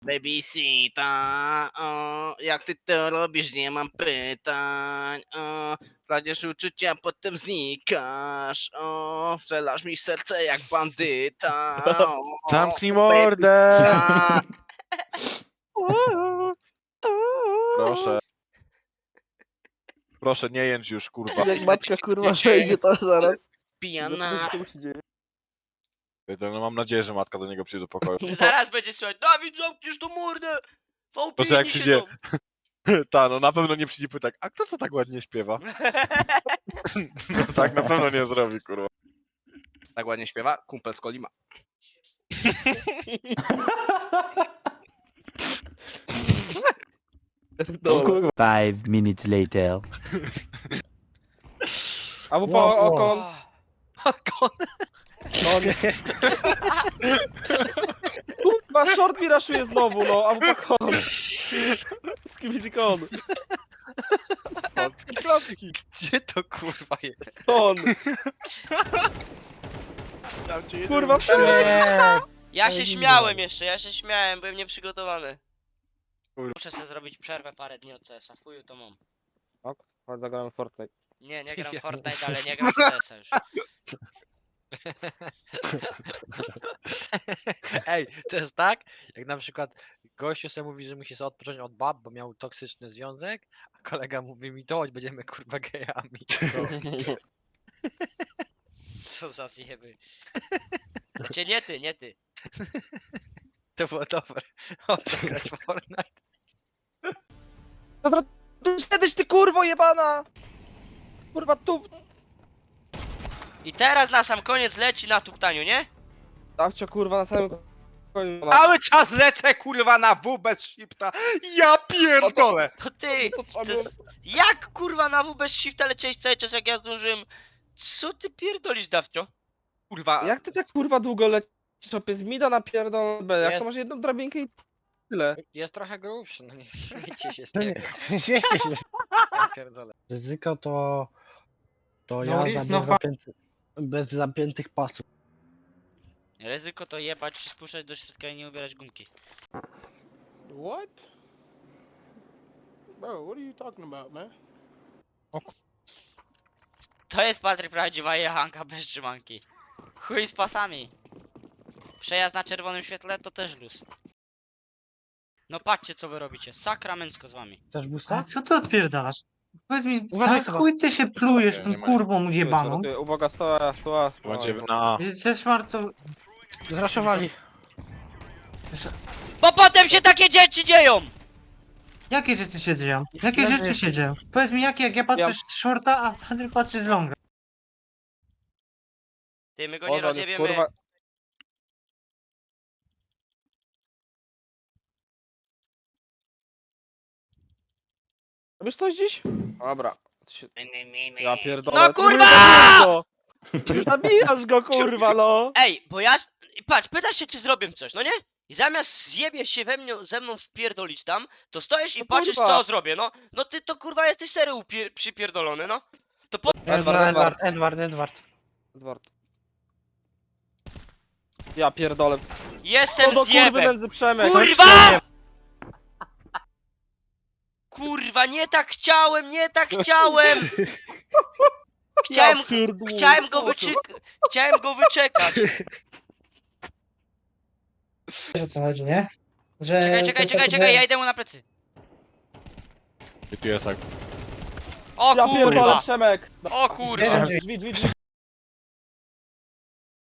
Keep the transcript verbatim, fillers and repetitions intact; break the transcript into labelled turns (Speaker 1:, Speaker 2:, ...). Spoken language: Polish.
Speaker 1: Babysita, o, jak ty to robisz, nie mam pytań, o, kładziesz uczucia, potem znikasz, o, strzelasz mi w serce jak bandyta, o,
Speaker 2: Zamknij mordę!
Speaker 1: babysita.
Speaker 2: Proszę. Proszę, nie jęcz już, kurwa.
Speaker 3: Jak matka kurwa
Speaker 1: Wiecie,
Speaker 3: wejdzie to zaraz.
Speaker 1: Pijana.
Speaker 3: Co mu się dzieje?
Speaker 2: No, mam nadzieję, że matka do niego przyjdzie do pokoju.
Speaker 4: Zaraz będzie słychać, Dawid, zamkniesz to mordę! V
Speaker 2: To co, jak
Speaker 4: P
Speaker 2: przyjdzie- Ta, no na pewno nie przyjdzie pytak, a kto co tak ładnie śpiewa? No tak na pewno nie zrobi, kurwa.
Speaker 1: Tak ładnie śpiewa? Kumpel z Kolima.
Speaker 3: No.
Speaker 5: Five minutes later.
Speaker 3: A w po oko. Kurwa, short mi raszuje znowu, no, a w po kon. Skibidikon.
Speaker 2: Klocki, klocki.
Speaker 4: Gdzie to kurwa jest?
Speaker 3: Kon.
Speaker 2: Tam cię
Speaker 3: Kurwa,
Speaker 2: jedzie-
Speaker 3: wszędzie.
Speaker 4: Ja się śmiałem jeszcze, ja się śmiałem, byłem nieprzygotowany.
Speaker 2: Kurwa.
Speaker 4: Muszę sobie zrobić przerwę parę dni od C S a, fuju to mam.
Speaker 3: Chodź, zagrałem Fortnite.
Speaker 4: Nie, nie gram w Fortnite, ale nie gram w C S a już.
Speaker 6: Ej, to jest tak, jak na przykład gościu sobie mówi, że musi sobie odpocząć od bab, bo miał toksyczny związek, a kolega mówi mi to, choć będziemy kurwa gejami.
Speaker 4: Co za zjeby. Znaczy nie ty, nie ty.
Speaker 6: To było dobre. O, grać w Fortnite.
Speaker 3: Kiedyś ty kurwo jebana! Kurwa, tu.
Speaker 4: I teraz na sam koniec leci na tuptaniu, nie?
Speaker 3: Dawcio kurwa na samym koniu.
Speaker 1: Cały czas lecę kurwa na W bez shifta. Ja pierdolę.
Speaker 4: To ty!
Speaker 3: To trzeba
Speaker 4: To jest... Jak kurwa na W bez shifta leciałeś cały czas jak ja zdążyłem? Co ty pierdolisz, Dawcio?
Speaker 1: Kurwa.
Speaker 3: Jak ty tak kurwa długo lecisz? Opie z mida na pierdol B. Jak
Speaker 6: Jest.
Speaker 3: to masz jedną drabinkę i tyle.
Speaker 6: Jest trochę grubszy, no nie śmiejcie się z niego.
Speaker 7: Śmiejcie się.
Speaker 6: Ja pierdolę.
Speaker 7: Ryzyko to... To
Speaker 6: No,
Speaker 7: jazda
Speaker 6: jest
Speaker 7: bez,
Speaker 6: nowa-
Speaker 7: zapięty, bez zapiętych pasów.
Speaker 4: Ryzyko to jebać, spuszczać do środka i nie ubierać gumki.
Speaker 8: What? Bro, what are you talking about, man?
Speaker 4: To jest Patryk prawdziwa jechanka bez trzymanki. Chuj z pasami. Przejazd na czerwonym świetle to też luz. No patrzcie co wy robicie, sakramencko z wami.
Speaker 7: Chcesz
Speaker 9: A
Speaker 7: boosta?
Speaker 9: co ty odpierdalasz? Powiedz mi,
Speaker 7: Uważaj,
Speaker 9: za
Speaker 7: Seba.
Speaker 9: chuj ty się plujesz
Speaker 2: Nie
Speaker 9: tą
Speaker 2: ma-
Speaker 9: kurwą jebaną?
Speaker 3: Uwaga, stoła, stoła.
Speaker 2: Będzie na...
Speaker 9: Ze szmartu...
Speaker 7: Zraszowali.
Speaker 4: Bo potem się takie dzieci dzieją!
Speaker 9: Jakie rzeczy się dzieją? Jakie
Speaker 7: Leży
Speaker 9: rzeczy
Speaker 7: jest.
Speaker 9: się dzieją? Powiedz mi jakie, jak ja patrzę
Speaker 3: Ja-
Speaker 9: z shorta, a Henryk patrzy z longa.
Speaker 4: Ty, my go nie
Speaker 3: Boże, on jest,
Speaker 4: rozjebiemy.
Speaker 3: kurwa. Robisz coś dziś? Dobra. To się- Ja pierdolę.
Speaker 4: No
Speaker 3: to
Speaker 4: kurwa!
Speaker 3: zabijasz go! Zabijasz go kurwa no!
Speaker 4: Ej, bo ja... s- Patrz, pytasz się czy zrobię coś, no nie? I zamiast zjebie się we mnie, ze mną wpierdolić tam, to stoisz i
Speaker 3: No
Speaker 4: patrzysz
Speaker 3: kurwa.
Speaker 4: co zrobię, no. No ty to kurwa jesteś serio upier- przypierdolony, no.
Speaker 3: Edward,
Speaker 7: Edward, Edward, Edward.
Speaker 3: Edward. Ja pierdolę.
Speaker 4: Jestem
Speaker 3: O do kurwy
Speaker 4: zjebem!
Speaker 3: nędzy Przemek!
Speaker 4: Kurwa! Kurwa, nie tak chciałem, nie tak chciałem! Chciałem,
Speaker 3: Ja pierdolę,
Speaker 4: chciałem go
Speaker 3: co
Speaker 4: wyczekać. Chciałem go wyczekać.
Speaker 9: Wiesz o co chodzi, nie? Że
Speaker 4: Czekaj, czekaj, czekaj, czekaj, ja idę mu na plecy.
Speaker 2: Piesek.
Speaker 4: O
Speaker 3: Ja pierdolę
Speaker 4: kurwa!
Speaker 3: Przemek!
Speaker 4: O kurwa!
Speaker 3: Drzwi, drzwi, drzwi.